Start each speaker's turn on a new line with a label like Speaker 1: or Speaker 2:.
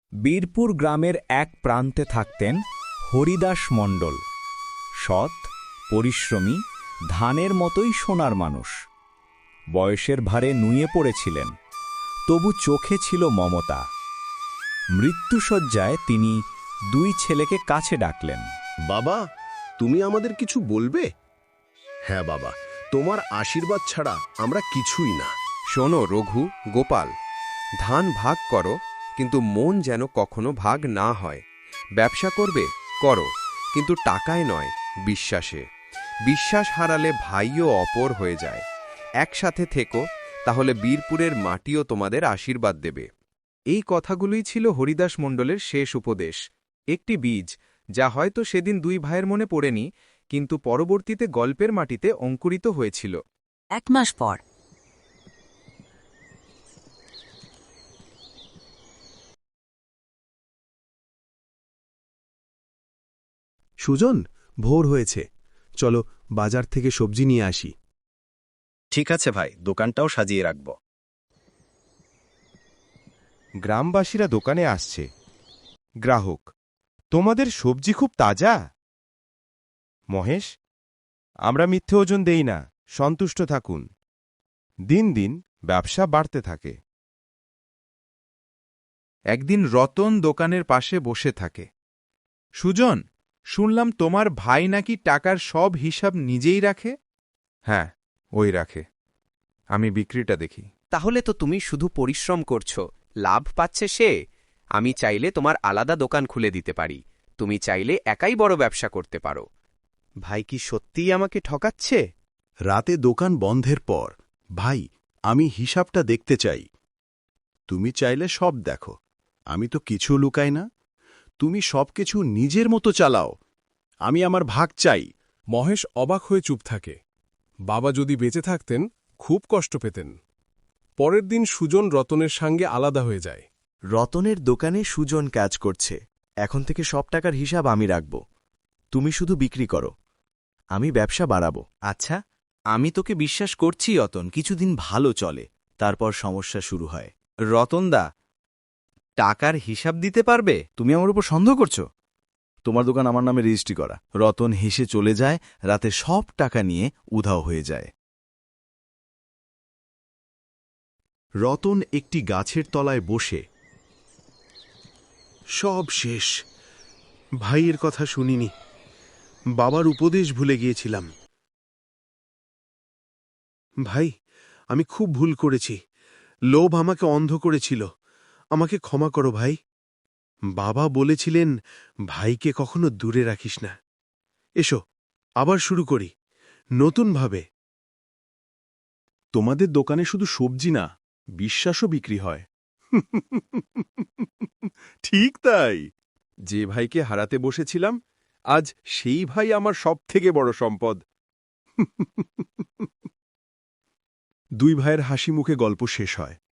Speaker 1: বীরপুর গ্রামের এক প্রান্তে থাকতেন হরিদাস মণ্ডল। সৎ, পরিশ্রমী, ধানের মতোই সোনার মানুষ। বয়সের ভারে নুয়ে পড়েছিলেন, তবু চোখে ছিল মমতা। মৃত্যুশয্যায় তিনি দুই ছেলেকে কাছে ডাকলেন।
Speaker 2: বাবা, তুমি আমাদের কিছু বলবে? হ্যাঁ বাবা, তোমার আশীর্বাদ ছাড়া আমরা কিছুই না।
Speaker 3: শোনো রঘু, গোপাল, ধান ভাগ করো, কিন্তু মন যেন কখনো ভাগ না হয়। ব্যবসা করবে করো, কিন্তু টাকায় নয়, বিশ্বাসে। বিশ্বাস হারালে ভাইও অপর হয়ে যায়। একসাথে থেকো, তাহলে বীরপুরের মাটিও তোমাদের আশীর্বাদ দেবে। এই কথাগুলোই ছিল হরিদাস মণ্ডলের শেষ উপদেশ, একটি বীজ যা হয়তো সেদিন দুই ভাইয়ের মনে পড়েনি, কিন্তু পরবর্তীতে গল্পের মাটিতে অঙ্কুরিত হয়েছিল।
Speaker 4: 1 মাস পর
Speaker 5: সুজন, ভোর হয়েছে, চলো বাজার থেকে সবজি নিয়ে আসি।
Speaker 6: ঠিক আছে ভাই, দোকানটাও সাজিয়ে রাখব।
Speaker 7: গ্রামবাসীরা দোকানে আসছে। গ্রাহক: তোমাদের সবজি খুব তাজা। মহেশ: আমরা মিথ্যে ওজন দেই না, সন্তুষ্ট থাকুন। দিন দিন ব্যবসা বাড়তে থাকে।
Speaker 8: একদিন রতন দোকানের পাশে বসে থাকে। সুজন, শুনলাম তোমার ভাই নাকি টাকার সব হিসাব নিজেই রাখে? হ্যাঁ, ওই রাখে, আমি বিক্রিটা দেখি।
Speaker 9: তাহলে তো তুমি শুধু পরিশ্রম করছো, লাভ পাচ্ছে সে। আমি চাইলে তোমার আলাদা দোকান খুলে দিতে পারি, তুমি চাইলে একাই বড় ব্যবসা করতে পারো।
Speaker 6: ভাই কি সত্যিই আমাকে ঠকাচ্ছে?
Speaker 5: রাতে দোকান বন্ধের পর, ভাই, আমি হিসাবটা দেখতে চাই। তুমি চাইলে সব দেখো, আমি তো কিছু লুকাই না। তুমি সবকিছু নিজের মতো চালাও, আমি আমার ভাগ চাই।
Speaker 10: মহেশ অবাক হয়ে চুপ থাকে। বাবা যদি বেঁচে থাকতেন খুব কষ্ট পেতেন। পরের দিন সুজন রতনের সঙ্গে আলাদা হয়ে যায়।
Speaker 11: রতনের দোকানে সুজন কাজ করছে। এখন থেকে সব টাকার হিসাব আমি রাখব, তুমি শুধু বিক্রি করো, আমি ব্যবসা বাড়াবো।
Speaker 12: আচ্ছা, আমি তোকে বিশ্বাস করছি রতন, কিছুদিন ভালো চলে, তারপর সমস্যা শুরু হয়। রতনদা, টাকার হিসাব দিতে পারবে?
Speaker 11: তুমি আমার উপর সন্দেহ করছো? তোমার দোকান আমার নামে রেজিস্ট্রি করা। রতন হেসে চলে যায়, রাতে সব টাকা নিয়ে উধাও হয়ে যায়।
Speaker 5: রতন একটি গাছের তলায় বসে। সব শেষ, ভাইয়ের কথা শুনিনি, বাবার উপদেশ ভুলে গিয়েছিলাম। ভাই, আমি খুব ভুল করেছি, লোভ আমাকে অন্ধ করেছিল, আমাকে ক্ষমা করো ভাই। বাবা বলেছিলেন, ভাইকে কখনো দূরে রাখিস না। এসো, আবার শুরু করি, নতুনভাবে। তোমাদের দোকানে শুধু সবজি না, বিশ্বাসও বিক্রি হয়।
Speaker 7: ঠিক তাই, যে ভাইকে হারাতে বসেছিলাম, আজ সেই ভাই আমার সবথেকে বড় সম্পদ।
Speaker 5: দুই ভাইয়ের হাসি মুখে গল্প শেষ হয়।